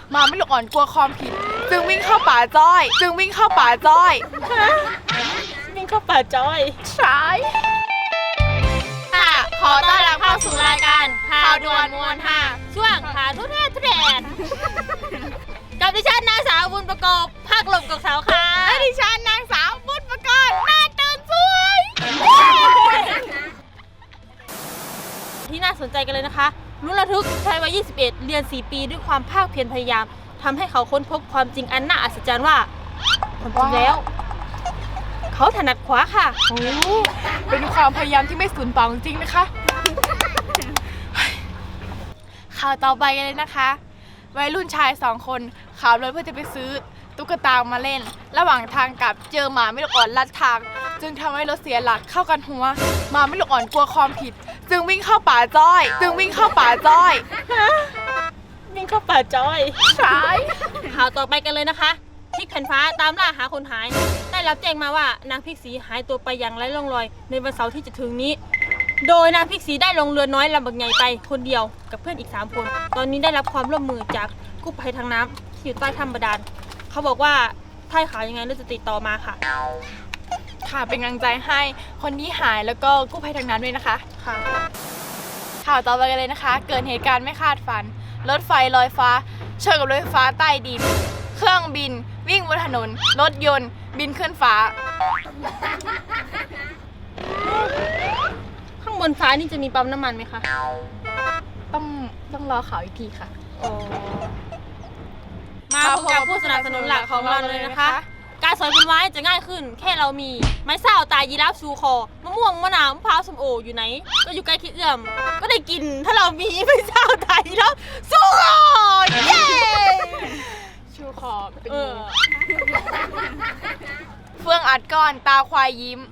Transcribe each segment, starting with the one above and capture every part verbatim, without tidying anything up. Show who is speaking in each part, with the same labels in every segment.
Speaker 1: มาไม่ลูกอ่อนกลัวความผิดจึงวิ่งเข้าป่าจ้อยจึงวิ่งเข้าป่าจ้อย
Speaker 2: วิ่งเข้าป่าจ้อย
Speaker 1: ใช่
Speaker 2: ค่ะขอต้อนรับเข้าสู่รายการข่าวด่วนมวลห้าช่วงข่าวทุเรศทุเรศกับดิฉันนางสาวบุญประกอบภาคหลบกับสาวค่ะ
Speaker 1: และดิฉันนางสาวบุญประกอบหน้าตื่นสวย
Speaker 2: ที่น่าสนใจกันเลยนะคะรุ่นระทึกชายวัยยี่สิบเอ็ดเรียนสี่ปีด้วยความภาคเพียรพยายามทำให้เขาค้นพบความจริงอันน่าอัศจรรย์ว่าความจริงแล้วเขาถนัดขวาค่ะ
Speaker 1: โอ้เป็นความพยายามที่ไม่สูญเปล่าจริงๆนะคะข่าวต่อไปกันเลยนะคะวัยรุ่นชายสองคนขับรถเพื่อจะไปซื้อตุ๊กตามาเล่นระหว่างทางกลับเจอหมาไม่ลูกอ่อนลัดทางจึงทำให้รถเสียหลักเข้ากันหัวหมาไม่ลูกอ่อนกลัวความผิดจึงวิ่งเข้าป่าจ้อยจึงวิ่งเข้าป่าจ้อย
Speaker 2: วิ่งเข้าป่าจ้อย
Speaker 1: ใช่
Speaker 2: ข่าวต่อไปกันเลยนะคะพริกแผ่นฟ้าตามล่าหาคนหายได้รับแจ้งมาว่านางพริกสีหายตัวไปอย่างไร้ร่องรอยในวันเสาร์ที่จะถึงนี้โดยนางพริกสีได้ลงเรือน้อยลำบักใหญ่ไปคนเดียวกับเพื่อนอีกสามคนตอนนี้ได้รับความร่วมมือจากกู้ภัยทางน้ำที่อยู่ใต้ถ้ำบาดาลเขาบอกว่าถ้าข่าวยังไงเราจะติดต่อมาค่ะ
Speaker 1: ค่ะเป็นกำลังใจให้คนที่หายแล้วก็กู้ภัยทางน้ำด้วยนะคะ
Speaker 2: ค่ะ
Speaker 1: ข่าวต่อไปกันเลยนะคะเกิดเหตุการณ์ไม่คาดฝันรถไฟลอยฟ้าชนกับรถไฟฟ้าใต้ดินเครื่องบินวิ่งบนถนนรถยนต์บินขึ้นฟ้า
Speaker 2: ข้างบนฟ้านี่จะมีปั๊มน้ำมันไหมคะ
Speaker 1: ต้องต้องรอข่าวอีกทีค่ะ
Speaker 2: มาพบกับผู้สนับสนุนหลักของเราเลยนะคะการสอยผลไม้จะง่ายขึ้นแค่เรามีไม้เศร้าตายยีราฟชูคอมะม่วงมะนาวมะพร้าวส้มโออยู่ไหนก็อยู่ใกล้คิดเอื้อมก็ได้กินถ้าเรามีไม้เศร้าตายยีราฟชูคอเย้
Speaker 1: ชูคอเป็นเฟื่องอัดก้อนตาควายยิ้ม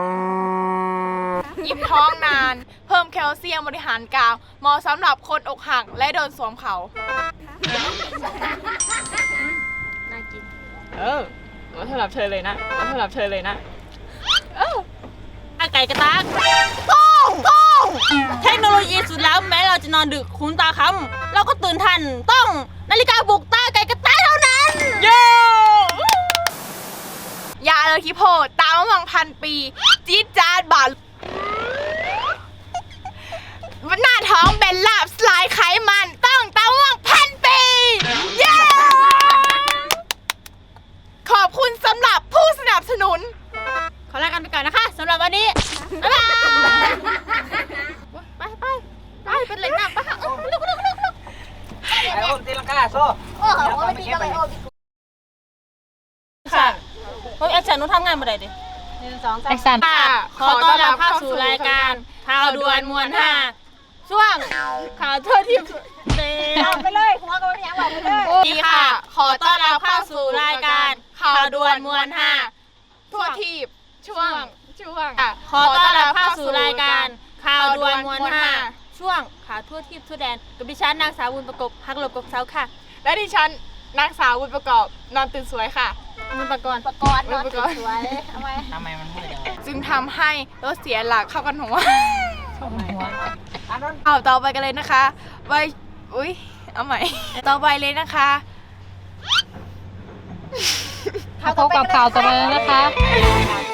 Speaker 1: ยิ้มท้องนานเพิ่มแคลเซียมบริหารกาวเหมาะสำหรับคนอกหักและโดนสวมเขา
Speaker 2: น่ากิน
Speaker 1: เออมาสำหรับเธอเลยนะมาสำหรับเธอเลยนะ
Speaker 2: เอออาไก่กระตากต้องต้องเทคโนโลยีสุดล้ำแม้เราจะนอนดึกคุ้นตาค้ำเราก็ตื่นทันต้องนาฬิกาปลุกตาไก่กระตากเท่านั้น
Speaker 1: โย่ยาเลคิโพตามมะม่วงพันปีจี๊ดจ๊าดบาดหน้าท้องเป็นลาบสลายไขมันต้องตามมะม่วงพันปีเย้ขอบคุณสำหรับผู้สนับสนุน
Speaker 2: ขอลากันไปก่อนนะคะสำหรับวันนี้บ๊ายบายไปไปไปเป็นเหล็กหนักปะคะลุกลุกลุกลุก
Speaker 3: ไอ้โอ้ตีลังกาโซ่
Speaker 2: โอ้โหตีอะไรโอ้ค่ะเฮ้ยแอคชั่นนู้นทำงานมาได้ดิหนึ่งสองสามแอคชั่นขอต้อนรับเข้าสู่รายการข่าวด่วนมวลห้าช่วงข่าวทั่วทิพย์เตะไปเลยหัวก็ไม่อยากบอกไปเลย
Speaker 1: ดีค่ะ
Speaker 2: ขอต้อนรับเข้าสู่รายการข่าวด่วนมวลห้า
Speaker 1: ทั่วทิพย์ช่วงช่วง
Speaker 2: ขอต้อนรับเข้าสู่รายการข่าวด่วนมวลห้าช่วงข่าวทั่วทิพย์ทั่วแดนกับดิฉันนางสาวบุญประกอบฮักหลบกบเซาค่ะ
Speaker 1: และดิฉันนางสาวบุญประกอบนอนตื่นสวยค่ะ
Speaker 2: บุญประกอบ
Speaker 4: ประกอบนอนตื่นสวยทำไม
Speaker 3: ทำไมมันพูดอย่าง
Speaker 1: นั้นจึงทำให้รถเสียหลักเข้ากันหัว
Speaker 3: หัว
Speaker 1: เอาต่อไปกันเลยนะคะไว้อุ้ยเอาใหม่ต่อไปเลยนะคะ
Speaker 4: พบกับข่าวต่อไปเลยนะคะ